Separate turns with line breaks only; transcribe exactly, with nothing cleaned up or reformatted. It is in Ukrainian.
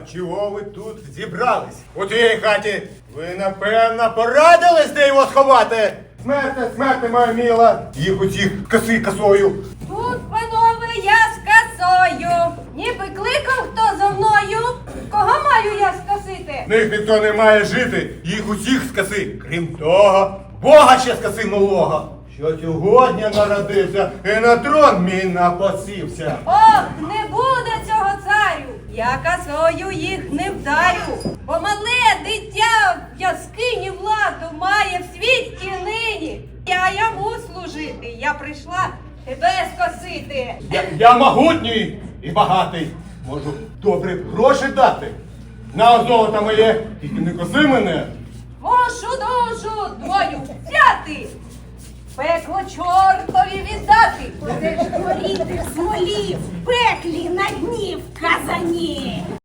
Чого ви тут зібрались? У тій хаті ви, напевно, порадились, де його сховати? Смерте, смерте, моя міла, їх усіх коси косою.
Тут, панове, я з косою. Ніби кликав хто за мною. Кого маю я скосити?
В них ніхто не має жити, їх усіх скоси. Крім того, Бога ще скоси малого, що сьогодні народився і на трон мій напосівся.
Ох, не буде цього царю. Я косою їх не вдарю. Бо мале дитя в яскині владу має в світі нині. Я йому служити. Я прийшла тебе скосити.
Я, я могутній і багатий, можу добрі гроші дати. На золото моє, тільки не коси мене.
Мошу душу твою взяти. Пекло чортові віддати.
Будеш горіти в смолі, в пеклі на дні в казані.